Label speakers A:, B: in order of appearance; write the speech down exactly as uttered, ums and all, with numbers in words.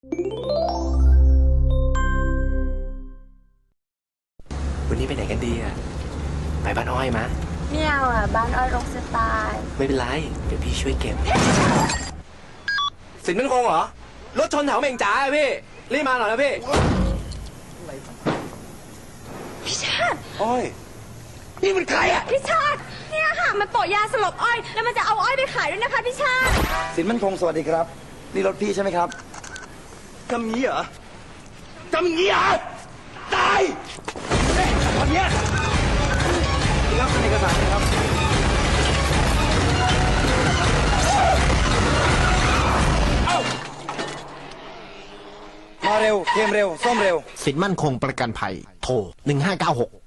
A: วันนี้ไปไหนกันดีอ่ะไปบ้านอ้อยมะ
B: ไม่เอาอ่ะบ้านอ้อยรกสไตล์
A: ไม่เป็นไรเดี๋ยวพี่ช่วยเก็บสินมันคงเหรอรถชนแถวเม่งจ๋าอะพี่รีบมาหน่อยนะพี่
B: พี่ชาติ
A: อ้อยนี่มันใครอ่ะ
B: พี่ชาติเนี่ยค่ะมันโปะยาสลบอ้อยแล้วมันจะเอาอ้อยไปขายด้วยนะคะพี่ชาติ
C: สินมั่นคงสวัสดีครับนี่รถพี่ใช่ไหมครับ
A: ทำงี้เหรอทำงี้เหรอตายเฮ้ยตอนเนี้ยนี่ครับเอกสารนะครับ
C: มาเร็วเกมเร็วซ่อมเร็ว
D: สินมั่นคงประกันภัยโทรหนึ่งห้าเก้าหก